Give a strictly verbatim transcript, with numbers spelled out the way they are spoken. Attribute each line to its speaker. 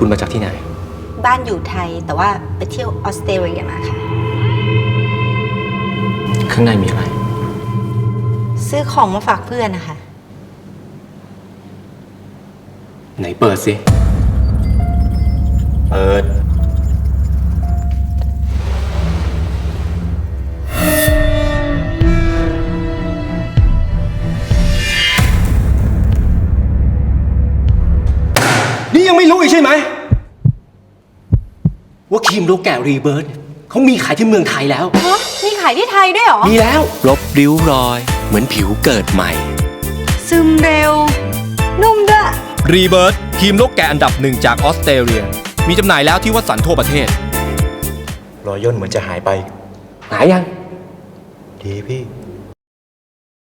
Speaker 1: คุณมาจากที่ไหน
Speaker 2: บ้านอยู่ไทยแต่ว่าไปเที่ยวออสเตรเลียมาค่ะ
Speaker 1: ข้างในมีอะไร
Speaker 2: ซื้อของมาฝากเพื่อนนะคะ
Speaker 1: ไหนเปิดสิเปิดนี่ยังไม่รู้อีกใช่ไหมว่าครีมโลแกะรีเบิร์ตเขามีขายที่เมืองไทยแล้ว
Speaker 2: ฮะมีขายที่ไทยด้วยเหรอ
Speaker 1: มีแล้วลบริ้วรอยเหมือนผิวเกิดใหม่
Speaker 2: ซึมเร็วนุ่มด้วย
Speaker 3: รีเบิร์ตครีมนกแกะอันดับหนึ่งจากออสเตรเลียมีจำหน่ายแล้วที่วัดสันทั่วประเทศ
Speaker 4: รอยย่นเหมือนจะหายไป
Speaker 1: หายยัง
Speaker 4: ดีพี่